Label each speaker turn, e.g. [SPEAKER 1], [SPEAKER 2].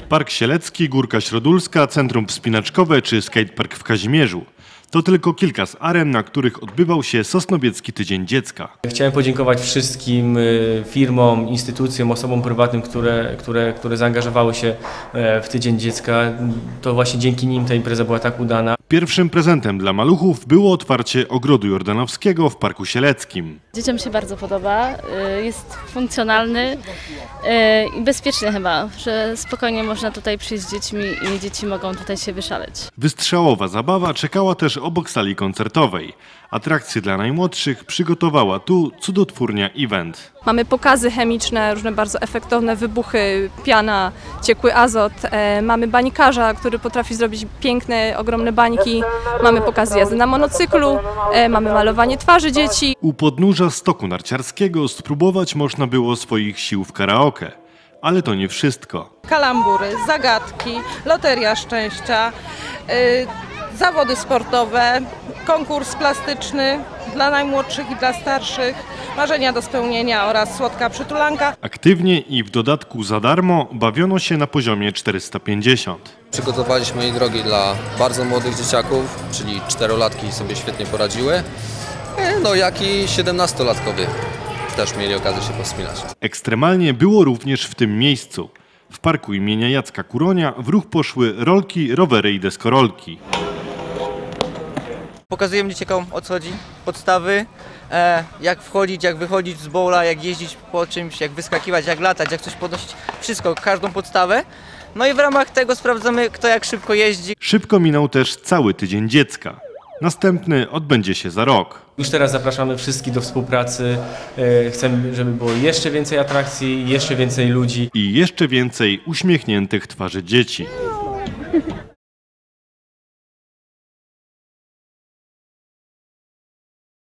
[SPEAKER 1] Park Sielecki, Górka Środulska, Centrum Wspinaczkowe czy skatepark w Kazimierzu. To tylko kilka z aren, na których odbywał się Sosnowiecki Tydzień Dziecka.
[SPEAKER 2] Chciałem podziękować wszystkim firmom, instytucjom, osobom prywatnym, które zaangażowały się w Tydzień Dziecka. To właśnie dzięki nim ta impreza była tak udana.
[SPEAKER 1] Pierwszym prezentem dla maluchów było otwarcie ogrodu jordanowskiego w Parku Sieleckim.
[SPEAKER 3] Dzieciom się bardzo podoba, jest funkcjonalny i bezpieczny chyba, że spokojnie można tutaj przyjść z dziećmi i dzieci mogą tutaj się wyszaleć.
[SPEAKER 1] Wystrzałowa zabawa czekała też obok sali koncertowej. Atrakcje dla najmłodszych przygotowała tu cudotwórnia Event.
[SPEAKER 4] Mamy pokazy chemiczne, różne bardzo efektowne wybuchy, piana, ciekły azot. Mamy banikarza, który potrafi zrobić piękne, ogromne bańki. Mamy pokazy jazdy na monocyklu, mamy malowanie twarzy dzieci.
[SPEAKER 1] U podnóża stoku narciarskiego spróbować można było swoich sił w karaoke. Ale to nie wszystko.
[SPEAKER 5] Kalambury, zagadki, loteria szczęścia, zawody sportowe, konkurs plastyczny dla najmłodszych i dla starszych, marzenia do spełnienia oraz słodka przytulanka.
[SPEAKER 1] Aktywnie i w dodatku za darmo bawiono się na poziomie 450.
[SPEAKER 6] Przygotowaliśmy, moi drogi, dla bardzo młodych dzieciaków, czyli 4-latki sobie świetnie poradziły, no jak i 17-latkowie też mieli okazję się powspinać.
[SPEAKER 1] Ekstremalnie było również w tym miejscu. W parku imienia Jacka Kuronia w ruch poszły rolki, rowery i deskorolki.
[SPEAKER 7] Pokazujemy dzieciakom, o co chodzi, podstawy, jak wchodzić, jak wychodzić z bowla, jak jeździć po czymś, jak wyskakiwać, jak latać, jak coś podnosić, wszystko, każdą podstawę. No i w ramach tego sprawdzamy, kto jak szybko jeździ.
[SPEAKER 1] Szybko minął też cały Tydzień Dziecka. Następny odbędzie się za rok.
[SPEAKER 2] Już teraz zapraszamy wszystkich do współpracy. Chcemy, żeby było jeszcze więcej atrakcji, jeszcze więcej ludzi.
[SPEAKER 1] I jeszcze więcej uśmiechniętych twarzy dzieci.